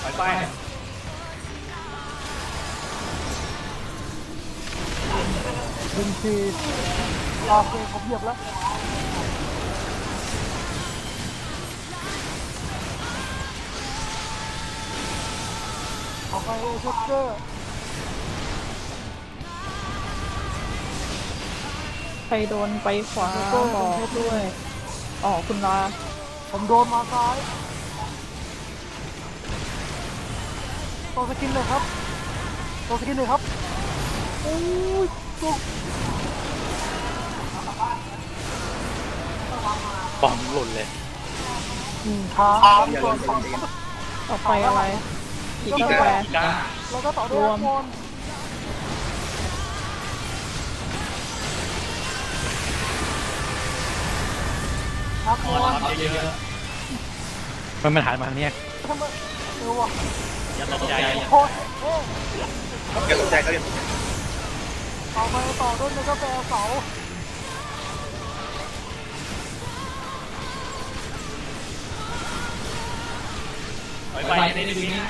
ไปดึงทีโอเคผมเหยียบแล้วออกไปเช็คเกอร์ใครโดนไปขวาบอกด้วยอ๋อคุณลาผมโดนมาซ้ายตัวสกินเลยครับตัวสกินเลยครับโอ้ยตัวบอมหล่นเลยขาตัวต่อไปอะไรอีกกาแฟแล้วก็ต่อด้วยรวมครับเยอะมันหายมาทางนี้ทำไมวะอย่าตกใจโอ้ยอย่าตกใจเขาเอาไปต่อด้วยในกาแฟเสาไปได้ดีนะ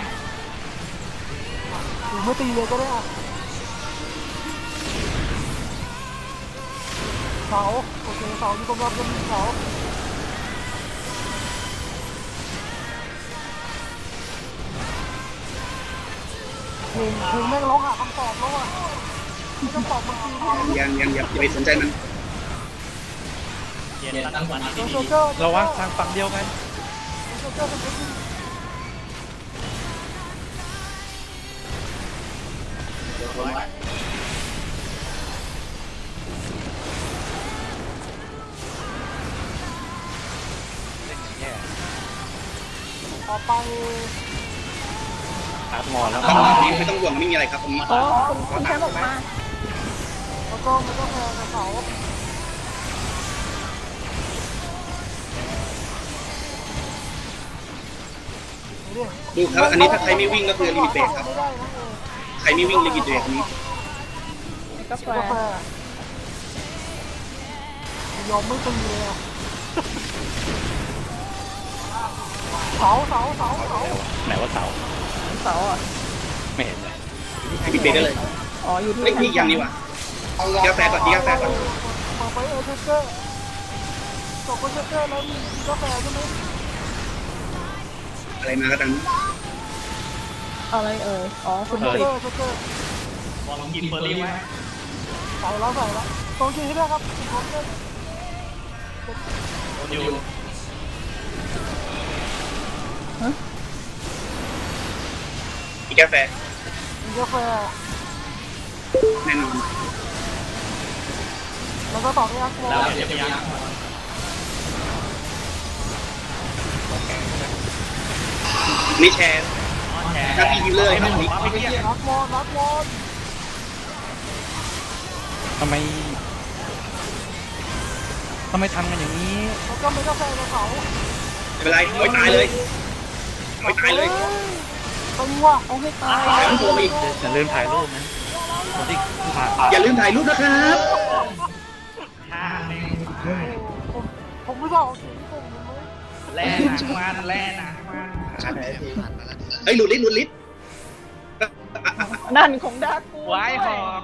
ไม่ตีเลยก็ได้เสาโอเคเสาอยู่ตรงรอบจะมีเสาเพลงแม่งร้องหาคำตอบแล้วอ่ะที่คำตอบมันคืออย่าไปสนใจมันเราว่าทางฝั่งเดียวกันต่อไปครับงอแล้วไม่ต้องห่วงไม่มีอะไรครับผมอ๋อคุณแค่บอกมาแล้วก็มันก็แพงกับเสาดูครับอันนี้ถ้าใครไม่วิ่งก็คือลิมิตเบรกครับใครไม่วิ่งลิมิตเบรกนี้กาแฟยอมไม่ตีเลยเสาไหนว่าเสาอ่ะไม่เห็นเลยลิมิตเบรกได้เลยอ๋ออยู่ที่นี่ยังนี่วะกาแฟก่อนกาแฟก่อนต่อไปเชคเกอร์จบเชคเกอร์แล้วมีกาแฟใช่ไหมอะไรมาก็ตามอะไรอ๋อคุณติดลองกินเฟอร์รี่ไว้ใส่แล้วตรงจริงที่ได้ครับอยู่มีกาแฟแน่นอนแล้วก็ต่อด้วยอักโมแล้วเดี๋ยวยังนี่แชร์หน้าที่ฮิลเลอร์ครับนี่นักวอนทำไมทำกันอย่างนี้แล้วก็มีกาแฟในเขาไม่เป็นไรไม่ตายเลยตึงว่ะเอาให้ตายอย่าลืมถ่ายรูปนะอย่าลืมถ่ายรูปนะครับผมไม่บอกแล่นะเฮ้ยหลุดลิ้นนั่นของดากูไว้หอก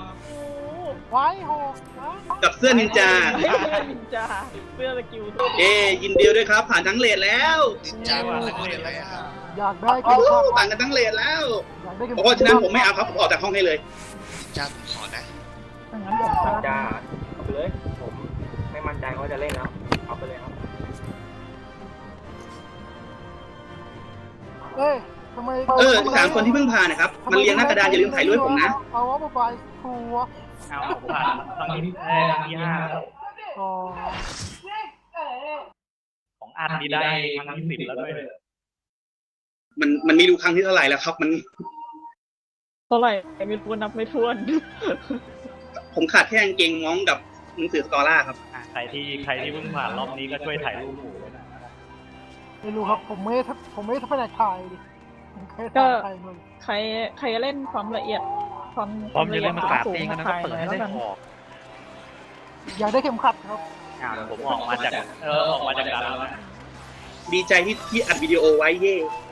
กับเสื้อนินจาเสื้อสกิลยินดีด้วยครับผ่านทั้งเลทแล้วนินจาผ่านทั้งเลทแล้วอยากได้กันผ่านกันทั้งเลทแล้วเพราะฉะนั้นผมไม่เอาครับผมออกจากห้องให้เลยนินจาผมขอนะงั้นผมจะเอาไปเลยผมไม่มั่นใจว่าจะเล่นแล้วเอาไปเลยครับทำไม 3 คนที่เพิ่งผ่านนะครับมันเรียงหน้ากระดานอย่าลืมถ่ายรูปผมนะเอาว่าไปครัวเอาผมผ่านตอนนี้ที่5แล้วของอันนี้ได้ครั้งที่10แล้วด้วยมันมีดูครั้งที่เท่าไหร่แล้วครับมันเท่าไหร่ไม่ทวนนับไม่ทวนผมขาดแค่กางเกงม้องกับหนังสือสกอร่าครับใครที่เพิ่งผ่านรอบนี้ก็ช่วยถ่ายรูปหมู่ด้วยนะไม่รู้ครับผมไม่ไปไหนถ่ายดิก็ใครเล่นความละเอียดความละเอียดมันกราดเองนะก็เปิดให้ได้ออกอยากได้เข็มขัดครับผมออกมาจากการแล้วดีใจที่อัดวิดีโอไว้เย่